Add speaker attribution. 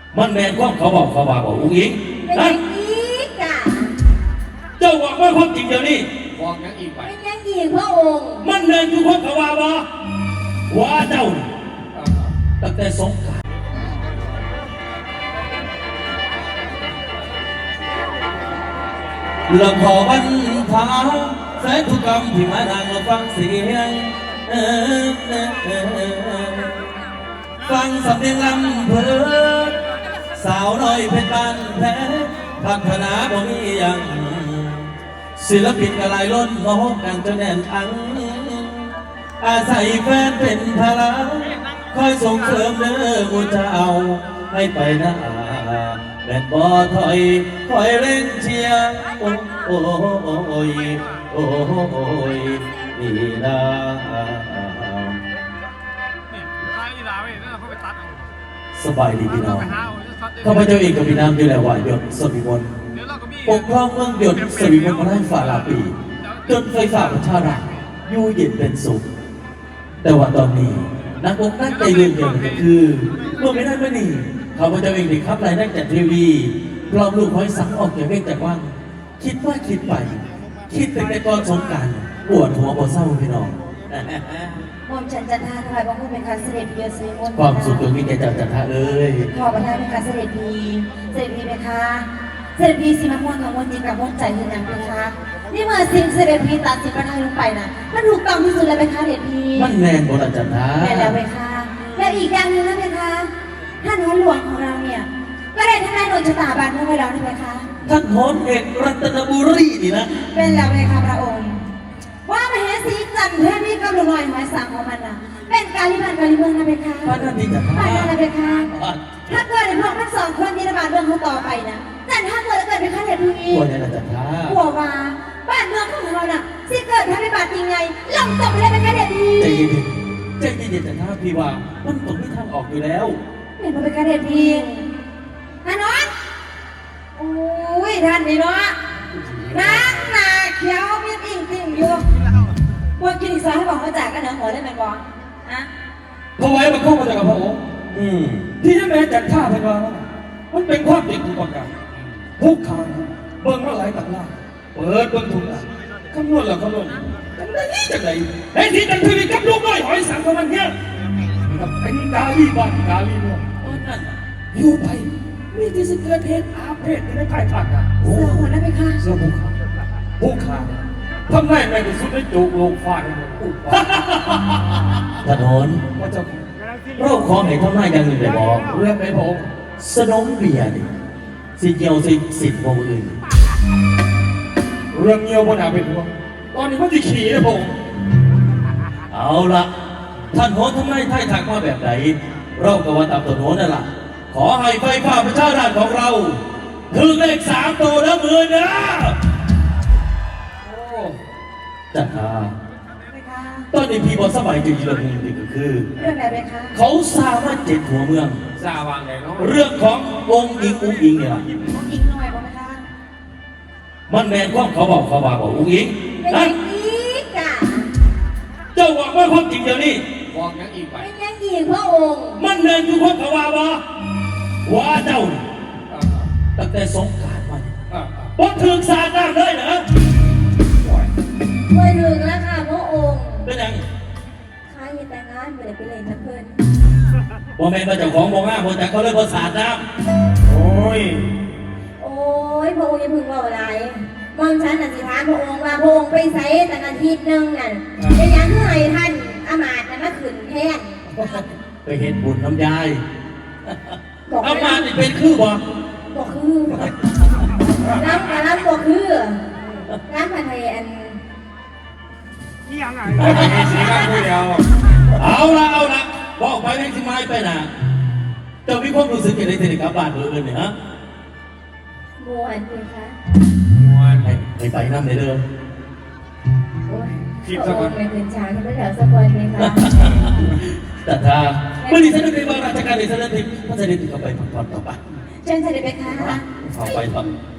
Speaker 1: มันแมนความเขาบอกอุ้งอิงนั่นเจ้าบอกว่าความจริงเดี๋ยวนี้
Speaker 2: บอกยังอีกไป
Speaker 3: เป็นยังอีกพระองค์
Speaker 1: มันแมนคือความเขาว่าเจ้าตั้งแต่สงกรานต์ลำพอวันพาแสนทุกคำที่มานั่งฟังเสียงฟังสำเนียงลำเพลินสาวน้อยเพชรบ้านแพ้พัฒนาบ่มีอย่างศิลปินกระไรล้นมองกันจนแน่นอังอาศัยแฟนเป็นพลังคอยส่งเสริมเด้อมูเจ้าให้ไปหน้าแบนบ่ถอยคอยเล่นเชียร์โอ้ยนี่นะสบายดีพี่น้องข้าพเจ้าเองกับพี่น้ำอยู่แล้วว่าหยดสวิมลปกครองเมืองหยดสวิมลมาได้ฝ่าลาปีจนไฟฝ่าประชาราอยู่เย็นเป็นสุขแต่ว่าตอนนี้นักอกนักใจเรื่องเดียวกันคือเมื่อไม่ได้ไม่หนีข้าพเจ้าเองได้ขับรายได้จากทีวีพร้อมลูกห้อยสังออกจากเรื่องจากว่างคิดว่าคิดไปคิดเป็นในตอนสงกรานต์ปวดหัวปวดเศร้าพี่น้อง
Speaker 3: หม่อมฉันจันทาถวายบังคมเป็นการเสด็จเบียร์ซีมน
Speaker 1: ความสุขตรงนี้แกจันทาเอ้ย
Speaker 3: ขอประทานเป็นการเสด็จพีไหมคะเสด็จพีสิมันม่วงกับม่วงจริงกับม่วงใจยืนยันไหมคะนี่เมื่อสิ่งเสด็จพีตัดสินประทานลงไปนะมันถูกต้องที่สุดเลยไหมคะเสด็จพี
Speaker 1: มันแมนโบราณจันทา
Speaker 3: แมนแล้วไหมคะและอีกอย่างหนึ่งนะไหมคะท่านหัวหลวงของเราเนี่ยก็ได้ทำนายโดนชะตาบานเมื่อไว้แล้วใช่ไหมคะ
Speaker 1: ท่านโหนเอกรัตนบุรีนี่นะ
Speaker 3: เป็นแล้วไหมคะพระองค์ว่ามาเห็นสีจันทร์เพื่อนมีกำลังลอยหมายสั่งของมันนะเป็นการลิบันการลิเมืองนะเพคะ
Speaker 1: พระนันทิจันทร์
Speaker 3: พระนันนะเพคะถ้าเกิดในพวกทั้งสองคนนี้ระบาดเรื่องเขาต่อไปนะจันถ้าเกิดเป็นข้าเด็ดพี
Speaker 1: กลัวเนี่ยนะจันทร์
Speaker 3: กลัวว่าบ้านเมืองของเราน่ะสิเกิดถ้าไม่บาดจริงไงลงตกไปได้เป็นข้าเด็ดพี
Speaker 1: ใจเย็นจันทร์พี่ว่ามันตกที่ทางออกอยู่แล้ว
Speaker 3: เห็นมันเป็นข้าเด็ดพีท่านน้องโอ้ยท่านนี่เนาะน้ำหนาเขียวมีติ่งอยู่พวกกินอีกซอยให้บอกเขาจ่ายกันเหนือหัวได้ไหมบออะ
Speaker 1: ถวายบังคมมาจากพระองค์ที่นั่นแม่จัดท่าเป็นว่ามันเป็นความจริงทุกประการผู้ขายเบิ่งมาหลายตักล่าเปิดเบิ่งทุกอย่างคำนวณแล้วคำนวณจังไหนไอ้ที่จังทีวีกับลูกน้อยหอยสังของมันเนี่ยกับเป็นกาลีบ้านกาลีเมืองนั่นอยู่ไปมีที่สิเกิดเหตุอาเพศในภายภาคหน้า
Speaker 3: เสือหัวได้ไหมคะ
Speaker 1: เสือผู้ขาทำไมไม่ได้สุดได้จูกลงฟาดถนนว่าจะเราขอให้ทำหน้าอย่างหนึ่งเลยบอกเรื่องไหนผมสนมเบียร์นี่สิเกี่ยวสิทธิ์ของอื่นเรื่องเงี้ยวบนหาเป็นหัวตอนนี้มันจะขี่นะผมเอาละท่านโหนทำไมไทยถักมาแบบไหนเราก็ว่าตามตัวโหนนั่นแหละขอให้ไฟฟ้าประชาราชของเราถึงเลข3ตัวแล้วมือนะจันทาตอนนี้พี่บอสบายจริงๆเรื่องนึงก็คือ
Speaker 3: เรื่องอะไรคะ
Speaker 1: เขาสามารถเจ็ดหัวเมือง
Speaker 2: สาวังไงเนาะ
Speaker 1: เรื่องขององค์อิงเนี่ย
Speaker 3: อิงหน่อยบอกไหมคะ
Speaker 1: มันแมนความเขาบอกองค์อิง
Speaker 3: นั่น
Speaker 1: เจ้าบอกว่าความจริงเดี๋ยวนี้
Speaker 2: บอกยังอีกไป
Speaker 3: เป็นยังอีกพระองค์
Speaker 1: มันแมนคือความเขาว่าเจ้าตั้งแต่สงกรานต์มาบนถึงสาดน้ำเลยเหรอ
Speaker 3: ไม่ถึงแล้วค่ะพระองค์
Speaker 1: เป็นยัง
Speaker 3: ข้าอย่าแต่งงานไม่ได้ไปเล่นนะเพื่อน
Speaker 1: บ่แม่นมาจากของบ่ง่าบ่แต่เขาเลยบ่สาดน้ำโอ้ย
Speaker 3: พระองค์อย่าพึ่งว่าอะไรมองฉันน่ะสิถามพระองค์ว่าพระองค์ไปใส่แต่อาทิตย์นึงน่ะจะยังเมื่อท่านอามาตย์มาขึ้นแทน
Speaker 1: ไปเห็นบุญน้ำยายอามาตย์เป็นคือบ่
Speaker 3: คือน้ำกับน้ำบ่คือน้ำผัดไทยอัน
Speaker 2: นี่ยังไงสีน้ำผู้เดียว
Speaker 1: เอาละบอกไปแม่งสิไม้ไปนะเจ้ามีความรู้สึกอย่างไรในกับบ้านเมืองเนี่ยฮะ
Speaker 3: มวนเลยคะ
Speaker 1: มวนไปน้ำในเดิม
Speaker 3: คิดสักคนไม่ถึงช้างไม่แถวสักคนเลยค่ะ
Speaker 1: แต่ถ้าเมื่อนี้ฉันได้ไปว่าราชการในสถานที่พระเสด็จเข้าไปพักผ่อนต่อไป
Speaker 3: เชิญเสด็จไปค่ะ
Speaker 1: เอาไปครับ